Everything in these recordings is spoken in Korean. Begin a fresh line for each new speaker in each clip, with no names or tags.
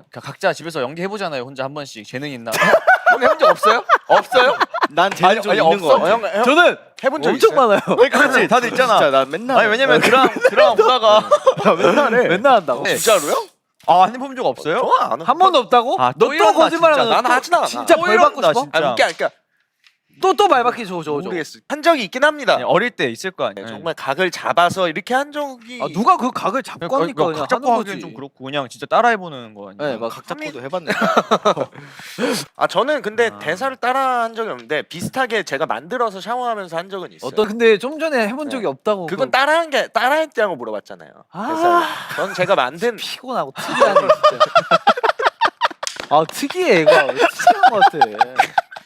각자 집에서 연기해보잖아요. 혼자 한 번씩 재능 있나? 형 해본 적 없어요? 없어요?
난 재능 좀 있는
없어?
거.
형
저는
해본 적
엄청
있어요?
많아요.
그렇지 다들 있잖아.
진짜 나 맨날.
아니 왜냐면 드라마 보다가
맨날 해.
맨날 한다고.
네.
진짜로요?
안 해본 적 없어요?
저안
한 번도 없다고?
아,
너
또
또
이런다,
거짓말하는
진짜.
나는 하진 않아.
진짜 벌 받고
이런다,
싶어?
진짜.
그러니까
또 말 받기 줘.
모르겠어. 한 적이 있긴 합니다.
네, 어릴 때 있을 거 아니에요.
정말 각을 잡아서 이렇게 한 적이
아 누가 그 각을 잡고 하니까 그냥
각 잡고
하는
하기는
거지.
좀 그렇고 그냥 진짜 따라해보는 거 아니에요?
네, 막
각 잡고도 해봤네.
아 저는 근데
아.
대사를 따라한 적이 없는데 비슷하게 제가 만들어서 샤워하면서 한 적은 있어요.
어떤 근데 좀 전에 해본 적이 없다고.
그건 따라했냐고 물어봤잖아요.
아.
대사를. 전 제가 만든
피곤하고 특이하네 진짜. 아 특이해 이거 특이한 것 같아.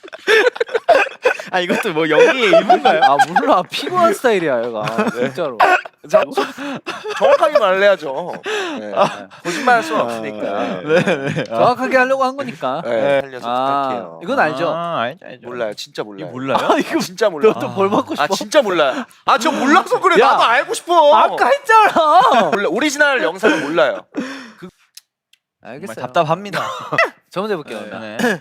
아 이것도 뭐 연기의 일부인가요?
아 몰라 피곤한 스타일이야 얘가 진짜로.
정확하게 말해야죠. 네. 거짓말할 수 없으니까.
정확하게 하려고 한 거니까.
네. 살려서
아
부탁해요.
이건 알죠.
알죠.
몰라요, 진짜 몰라요.
이거 몰라요?
아 이거
진짜 몰라.
너또 벌 받고 싶어?
아 진짜 몰라요. 아 저 몰라서 그래.
야.
나도 알고 싶어.
아까 했잖아.
몰라. 오리지널 영상은 몰라요.
정말
알겠어요.
답답합니다.
저 먼저 해볼게요.
네.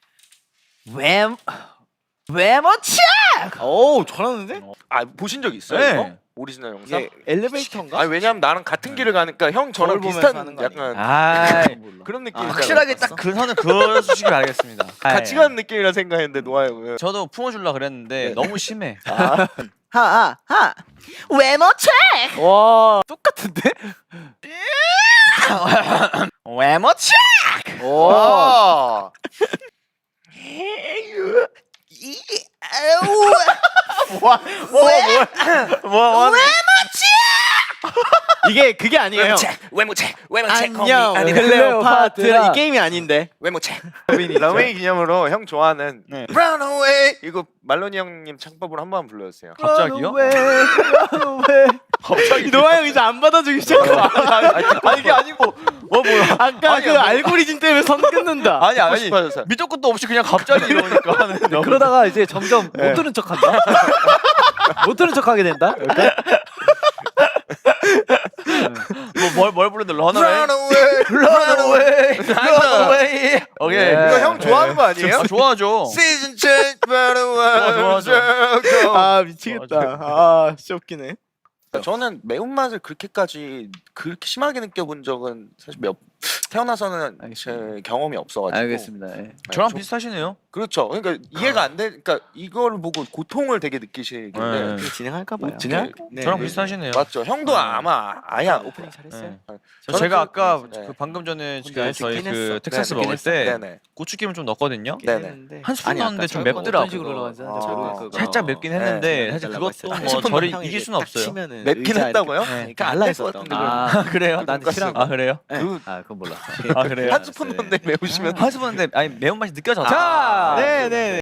외모치.
오 잘하는데?
아 보신 적 있어요?
네.
이거? 오리지널 영상?
이게 엘리베이터인가?
아니 왜냐면 나랑 같은 길을 가니까 형 저랑
거울 보면서
비슷한
하는 거
약간
아,
그런 느낌.
확실하게 딱 그 선을 그어주시기 바라겠습니다.
같이 가는 느낌이라 생각했는데 노아 형은.
저도 품어줄라 그랬는데
네.
너무 심해.
하하. 외모체.
와 똑같은데?
외모치!
오.
와.
뭐
이게 그게 아니에요.
외모체
안녕
아니
클레오파트라 이 게임이 아닌데.
외모체 러웨이 기념으로 형 좋아하는
네.
Run Away 이거 말로니 형님 창법으로 한번 불러주세요.
갑자기요?
갑자기 노아 형 이제 안 받아주기 시작했어.
아니 이게 아니고 뭐야?
아까 그 알고리즘 때문에 선 끊는다.
아니
듣고 싶어서.
밑도 끝도 없이 그냥 갑자기 이러니까 하는.
그러다가 이제 점점 못 들은 척한다. 못 들은 척하게 된다.
뭘 부르는데 Run
Away
Run away, run away. 오케이.
네.
이거 형 좋아하는 거 아니에요?
아, 좋아하죠.
Season change Run away
좋아하죠.
아 미치겠다. 아 진짜 웃기네.
저는 매운맛을 그렇게 심하게 느껴본 적은 사실 태어나서는 제 경험이 없어가지고.
알겠습니다. 예.
저랑
저-
비슷하시네요.
그렇죠. 그러니까 이해가 안 돼. 그러니까 이걸 보고 고통을 되게 느끼시길래.
네.
진행할까 봐요.
진행?
네.
저랑
네.
비슷하시네요.
맞죠. 형도 아마 아예
오프닝 잘했어요.
네.
저는
제가 아까
네.
그 방금 전에
혼자
그
할수
저희
있긴
그
했어.
텍사스
네,
먹을 때
네네.
고추기름 좀 넣었거든요.
네네.
한 스푼 넣었는데 좀
어떤
맵더라고요.
식으로 올라가는지
아,
저도 그거.
살짝 맵긴
네,
했는데 사실 그것도 뭐 저를 이길 수는 없어요.
맵긴 했다고요?
그러니까 알라에서
같은데
아
그래요?
난 싫어.
아 그래요?
아 그건 몰랐어.
아 그래요?
한 스푼 넣는데 매우시면
한 스푼인데 아니 매운맛이 느껴졌다.
자,
네네.